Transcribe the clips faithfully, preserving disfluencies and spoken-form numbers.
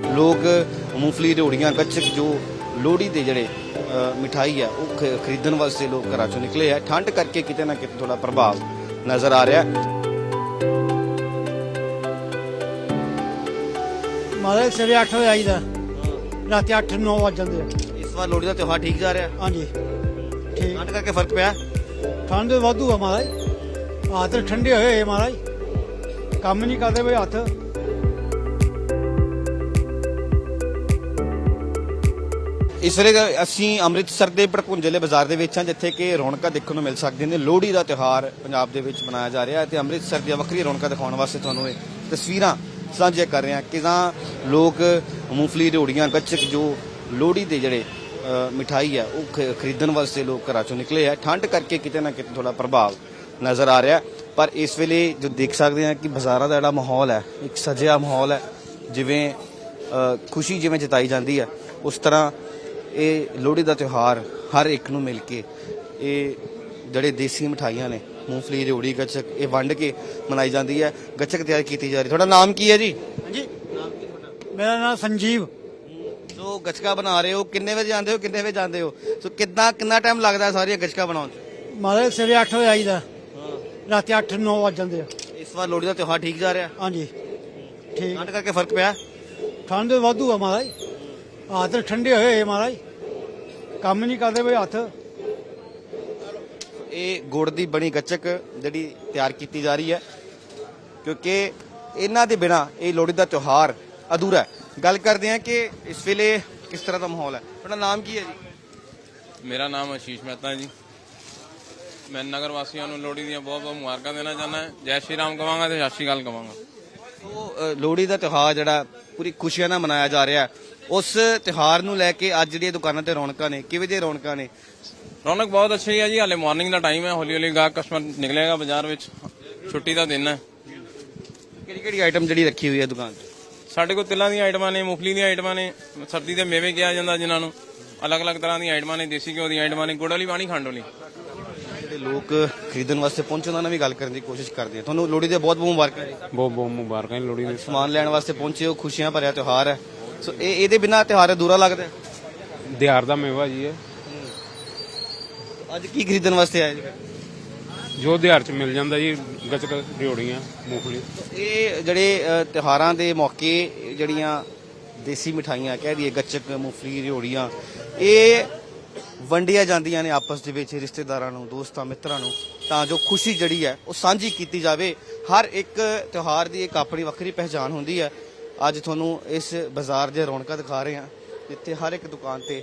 लोग मूंगफली रियोड़ियां गच्चक जो लोहड़ी के जड़े मिठाई है वो खरीदण वास्ते लोग घर चों निकले है। ठंड करके किते ना किते थोड़ा प्रभाव नज़र आ रहा है। महाराज सवेरे अठ बजे आई रात अठ नौ बज जाते। इस बार लोहड़ी का त्योहार ठीक जा रहा है? हाँ जी ठीक। ठंड करके फर्क पिया? ठंड वाधू है महाराज, हाथ ठंडे होए महाराज, काम नहीं करते भाई हाथ। इस ਵੇਲੇ ਅਸੀਂ ਅੰਮ੍ਰਿਤਸਰ ਦੇ ਭੜਕੁੰਜਲੇ ਬਾਜ਼ਾਰ ਦੇ ਵਿੱਚ ਹਾਂ ਜਿੱਥੇ ਕਿ ਰੌਣਕਾਂ ਦੇਖਣ ਨੂੰ ਮਿਲ ਸਕਦੀਆਂ ਨੇ। ਲੋਹੜੀ ਦਾ ਤਿਉਹਾਰ ਪੰਜਾਬ ਦੇ ਵਿੱਚ ਮਨਾਇਆ ਜਾ ਰਿਹਾ ਹੈ ਤੇ ਅੰਮ੍ਰਿਤਸਰ ਦੀਆਂ ਵੱਖਰੀਆਂ ਰੌਣਕਾਂ ਦਿਖਾਉਣ ਵਾਸਤੇ ਤੁਹਾਨੂੰ ਇਹ ਤਸਵੀਰਾਂ ਸਾਂਝੀਆਂ ਕਰ ਰਹੇ ਹਾਂ ਕਿ ਤਾਂ ਲੋਕ ਮੂੰਗਫਲੀ ਰਿਓੜੀਆਂ ਗੱਚਕ ਜੋ ਲੋਹੜੀ ਦੇ ਜਿਹੜੇ ਮਿਠਾਈ ਹੈ ਉਹ ਖਰੀਦਣ ਵਾਸਤੇ ਲੋਕ ਘਰਾਂ ਚੋਂ ਨਿਕਲੇ ਹੈ। ਠੰਡ ਕਰਕੇ ਕਿਤੇ ਨਾ ਕਿਤੇ ਥੋੜਾ ਪ੍ਰਭਾਵ ਨਜ਼ਰ ਆ ਰਿਹਾ ਪਰ ਇਸ ਵੇਲੇ ਜੋ ਦੇਖ ਸਕਦੇ ਹਾਂ ਕਿ ਬਾਜ਼ਾਰਾਂ ਦਾ ਜਿਹੜਾ ਮਾਹੌਲ ਹੈ ਇੱਕ ਸਜਿਆ ਮਾਹੌਲ ਹੈ, ਜਿਵੇਂ ਖੁਸ਼ੀ ਜਿਵੇਂ ਜਤਾਈ ਜਾਂਦੀ ਹੈ ਉਸ ਤਰ੍ਹਾਂ ਇਹ ਲੋਹੜੀ ਦਾ ਤਿਉਹਾਰ ਹਰ ਇੱਕ ਨੂੰ ਮਿਲ ਕੇ ਇਹ ਜਿਹੜੇ ਦੇਸੀ ਮਿਠਾਈਆਂ ਨੇ ਮੂੰਗਫਲੀ ਰਿਓੜੀ ਗੱਚਕ ਇਹ ਵੰਡ ਕੇ ਮਨਾਈ ਜਾਂਦੀ ਹੈ। ਗੱਚਕ ਤਿਆਰ ਕੀਤੀ ਜਾ ਰਹੀ। ਤੁਹਾਡਾ ਨਾਮ ਕੀ ਹੈ ਜੀ? ਹਾਂਜੀ ਨਾਮ ਕੀ ਤੁਹਾਡਾ? ਮੇਰਾ ਨਾਮ ਸੰਜੀਵ। ਸੋ ਗੱਚਕਾ ਬਣਾ ਰਹੇ ਹੋ, ਕਿੰਨੇ ਵਜੇ ਜਾਂਦੇ ਹੋ ਕਿੰਨੇ ਵਜੇ ਜਾਂਦੇ ਹੋ? ਸੋ ਕਿੰਨਾ ਕਿੰਨਾ ਟਾਈਮ ਲੱਗਦਾ ਸਾਰੀਆਂ ਗੱਚਕਾ ਬਣਾਉਣ 'ਚ? महाराज सवेरे अठ बजे आई रात अठ नौ बज जाते। ਇਸ ਵਾਰ ਲੋਹੜੀ ਦਾ ਤਿਉਹਾਰ ਠੀਕ ਜਾ ਰਿਹਾ? हाँ जी ठीक। ਠੰਡ ਕਰਕੇ ਫਰਕ ਪਿਆ? ठंड वाधू है महाराज, हाथ ठंडे होए महाराज, काम नहीं करते भाई हाथ। ਇਹ ਗੁੜ ਦੀ ਬਣੀ ਗੱਚਕ ਜਿਹੜੀ ਤਿਆਰ ਕੀਤੀ ਜਾ ਰਹੀ ਹੈ ਕਿਉਂਕਿ ਇਹਨਾਂ ਦੇ ਬਿਨਾ ਇਹ ਲੋਹੜੀ ਦਾ ਤਿਉਹਾਰ ਅਧੂਰਾ ਹੈ। ਗੱਲ ਕਰਦੇ ਹਾਂ ਕਿ ਇਸ ਵੇਲੇ ਕਿਸ ਤਰ੍ਹਾਂ ਦਾ ਮਾਹੌਲ ਹੈ। ਤੁਹਾਡਾ ਨਾਮ ਕੀ ਹੈ ਜੀ? ਮੇਰਾ ਨਾਮ ਆਸ਼ੀਸ਼ ਮਹਿਤਾ ਹੈ ਜੀ। ਮੈਂ ਨਗਰ ਵਾਸੀਆਂ ਨੂੰ ਲੋਹੜੀ ਦੀਆਂ ਬਹੁਤ ਬਹੁਤ ਮੁਬਾਰਕਾਂ ਦੇਣਾ ਚਾਹੁੰਦਾ। ਜੈ ਸ਼੍ਰੀ ਰਾਮ ਕਹਾਂਗਾ ਤੇ ਸਤਿ ਸ਼੍ਰੀ ਅਕਾਲ ਕਹਾਂਗਾ। ਸੋ ਲੋਹੜੀ ਦਾ ਤਿਉਹਾਰ ਜਿਹੜਾ ਪੂਰੀ ਖੁਸ਼ੀਆਂ ਨਾਲ ਮਨਾਇਆ ਜਾ ਰਿਹਾ ਉਸ ਤਿਉਹਾਰ ਨੂੰ ਲੈ ਕੇ ਅੱਜ ਜਿਹੜੀਆਂ ਦੁਕਾਨਾਂ ਤੇ ਰੌਣਕਾਂ ਨੇ ਕਿਵੇਂ ਦੀਆਂ ਰੌਣਕਾਂ ਨੇ? ਰੌਣਕ ਬਹੁਤ ਅੱਛੀ ਹੈ ਜੀ। ਹਾਲੇ ਮਾਰਨਿੰਗ ਦਾ ਟਾਈਮ ਹੈ, ਹੌਲੀ ਹੌਲੀ ਗਾਹਕ ਕਸਟਮਰ ਨਿਕਲੇਗਾ ਬਾਜ਼ਾਰ ਵਿੱਚ, ਛੁੱਟੀ ਦਾ ਦਿਨ ਹੈ। ਕਿਹੜੀ ਕਿਹੜੀ ਆਈਟਮ ਜਿਹੜੀ ਰੱਖੀ ਹੋਈ ਹੈ ਦੁਕਾਨ ਤੇ? ਸਾਡੇ ਕੋਲ ਤਿਲਾਂ ਦੀਆਂ ਆਈਟਮਾਂ ਨੇ, ਮੂੰਗਫਲੀ ਦੀਆਂ ਆਈਟਮਾਂ ਨੇ, ਸਰਦੀ ਦੇ ਮੇਵੇ ਕਿਹਾ ਜਾਂਦਾ ਜਿਨ੍ਹਾਂ ਨੂੰ, ਅਲੱਗ ਅਲੱਗ ਤਰ੍ਹਾਂ ਦੀਆਂ ਆਈਟਮਾਂ ਨੇ, ਦੇਸੀ ਘਿਓ ਦੀਆਂ ਆਈਟਮਾਂ ਨੇ, ਗੁੜ ਵਾਲੀ ਪਾਣੀ ਖੰਡ ਵਾਲੀ। ਜਿਹੜੇ ਲੋਕ ਖਰੀਦਣ ਵਾਸਤੇ ਪਹੁੰਚੇ ਉਹਨਾਂ ਨਾਲ ਵੀ ਗੱਲ ਕਰਨ ਦੀ ਕੋਸ਼ਿਸ਼ ਕਰਦੇ ਆ। ਤੁਹਾਨੂੰ ਲੋਹੜੀ ਦੇ ਬਹੁਤ ਬਹੁਤ ਮੁਬਾਰਕਾਂ ਜੀ। ਬਹੁਤ ਬਹੁਤ ਮੁਬਾਰਕਾਂ ਲੋਹੜੀ ਦੇ। ਸਮਾਨ ਲੈਣ ਵਾਸਤੇ ਪਹੁੰਚੇ ਹੋ, ਖੁਸ਼ੀਆਂ ਭਰਿਆ ਤਿਉਹਾਰ ਹੈ। ਸੋ ਇਹ ਇਹਦੇ ਬਿਨਾਂ ਤਿਉਹਾਰ ਅਧੂਰਾ ਲੱਗਦਾ। ਦਿਹਾਰ ਦਾ ਮੇਵਾ ਜੀ ਹੈ। ਅੱਜ ਕੀ ਖਰੀਦਣ ਵਾਸਤੇ ਆਏ ਜੀ? ਜੋ ਦਿਹਾਰ ਚ ਮਿਲ ਜਾਂਦਾ ਜੀ, ਗੱਚਕ ਰਿਓੜੀਆਂ ਮੂੰਗਫਲੀ। ਇਹ ਜਿਹੜੇ ਅ, ਤਿਉਹਾਰਾਂ ਦੇ ਮੌਕੇ ਜਿਹੜੀਆਂ ਦੇਸੀ ਮਿਠਾਈਆਂ ਕਹਿ ਦਈਏ ਗੱਚਕ ਮੂੰਗਫਲੀ ਰਿਓੜੀਆਂ ਇਹ ਵੰਡੀਆਂ ਜਾਂਦੀਆਂ ਨੇ ਆਪਸ ਦੇ ਵਿੱਚ ਰਿਸ਼ਤੇਦਾਰਾਂ ਨੂੰ, ਦੋਸਤਾਂ ਮਿੱਤਰਾਂ ਨੂੰ, ਤਾਂ ਜੋ ਖੁਸ਼ੀ ਜਿਹੜੀ ਹੈ ਉਹ ਸਾਂਝੀ ਕੀਤੀ ਜਾਵੇ। ਹਰ ਇੱਕ ਤਿਉਹਾਰ ਦੀ ਇੱਕ ਆਪਣੀ ਵੱਖਰੀ ਪਹਿਚਾਣ ਹੁੰਦੀ ਹੈ। ਅੱਜ ਤੁਹਾਨੂੰ ਇਸ ਬਾਜ਼ਾਰ ਦੀਆਂ ਰੌਣਕਾਂ ਦਿਖਾ ਰਹੇ ਹਾਂ ਜਿੱਥੇ ਹਰ ਇੱਕ ਦੁਕਾਨ ਤੇ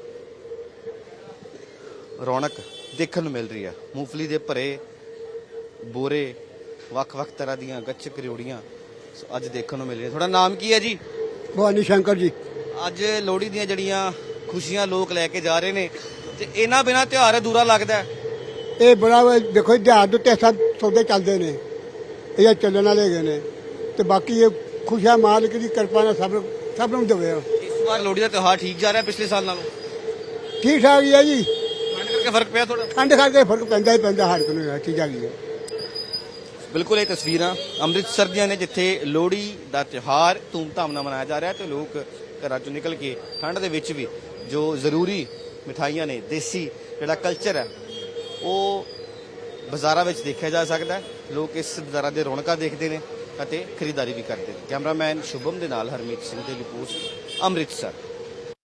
ਰੌਣਕ ਦੇਖਣ ਨੂੰ ਮਿਲ ਰਹੀ ਹੈ। ਮੂੰਗਫਲੀ ਦੇ ਭਰੇ ਬੋਰੇ, ਵੱਖ-ਵੱਖ ਤਰ੍ਹਾਂ ਦੀਆਂ ਗੱਚਕ ਰਿਓੜੀਆਂ ਅੱਜ ਦੇਖਣ ਨੂੰ ਮਿਲ ਰਹੀਆਂ। ਤੁਹਾਡਾ ਨਾਮ ਕੀ ਹੈ ਜੀ? भवानी शंकर जी। ਅੱਜ ਲੋਹੜੀ ਦੀਆਂ ਜਿਹੜੀਆਂ ਖੁਸ਼ੀਆਂ ਲੋਕ ਲੈ ਕੇ ਜਾ ਰਹੇ ਨੇ ਤੇ ਇਹਨਾਂ ਬਿਨਾਂ ਤਿਉਹਾਰ ਅਧੂਰਾ ਲੱਗਦਾ। ਇਹ ਬੜਾ ਦੇਖੋ ਦਿਹਾੜ ਦੇ ਉੱਤੇ ਸਭ ਸੌਦੇ ਚੱਲਦੇ ਨੇ, ਇਹ ਚੱਲਣ ਵਾਲੇ ਹੈਗੇ ਨੇ ਤੇ ਬਾਕੀ ਇਹ ਖੁਸ਼ੀਆਂ ਮਾਲਕ ਦੀ ਕਿਰਪਾ ਨਾਲ ਸਭ ਸਭ ਨੂੰ ਦੇਵੇ। ਇਸ ਵਾਰ ਲੋਹੜੀ ਦਾ ਤਿਉਹਾਰ ਠੀਕ ਜਾ ਰਿਹਾ ਪਿਛਲੇ ਸਾਲ ਨਾਲੋਂ? ਠੀਕ ਠਾਕ ਹੀ ਹੈ ਜੀ। ਠੰਡ ਕਰਕੇ ਫਰਕ ਪਿਆ ਥੋੜਾ? ਠੰਡ ਕਰਕੇ ਫਰਕ ਪੈਂਦਾ ਹੀ ਪੈਂਦਾ ਹਰ ਕੋਈ ਨੂੰ, ਠੀਕ ਹੈਗੀ ਹੈ। ਬਿਲਕੁਲ ਇਹ ਤਸਵੀਰਾਂ ਅੰਮ੍ਰਿਤਸਰ ਦੀਆਂ ਨੇ ਜਿੱਥੇ ਲੋਹੜੀ ਦਾ ਤਿਉਹਾਰ ਧੂਮਧਾਮ ਨਾਲ ਮਨਾਇਆ ਜਾ ਰਿਹਾ ਤੇ ਲੋਕ ਘਰਾਂ ਚੋਂ ਨਿਕਲ ਕੇ ਠੰਡ ਦੇ ਵਿੱਚ ਵੀ ਜੋ ਜ਼ਰੂਰੀ ਮਿਠਾਈਆਂ ਨੇ, ਦੇਸੀ ਜਿਹੜਾ ਕਲਚਰ ਹੈ ਉਹ ਬਾਜ਼ਾਰਾਂ ਵਿੱਚ ਦੇਖਿਆ ਜਾ ਸਕਦਾ ਹੈ। ਲੋਕ ਇਸ ਬਾਜ਼ਾਰਾਂ ਦੇ ਰੌਣਕਾਂ ਦੇਖਦੇ ਨੇ ਅਤੇ ਖਰੀਦਦਾਰੀ ਵੀ ਕਰਦੇ ਨੇ। ਕੈਮਰਾਮੈਨ ਸ਼ੁਭਮ ਦੇ ਨਾਲ ਹਰਮੀਤ ਸਿੰਘ ਦੀ ਰਿਪੋਰਟ ਅੰਮ੍ਰਿਤਸਰ।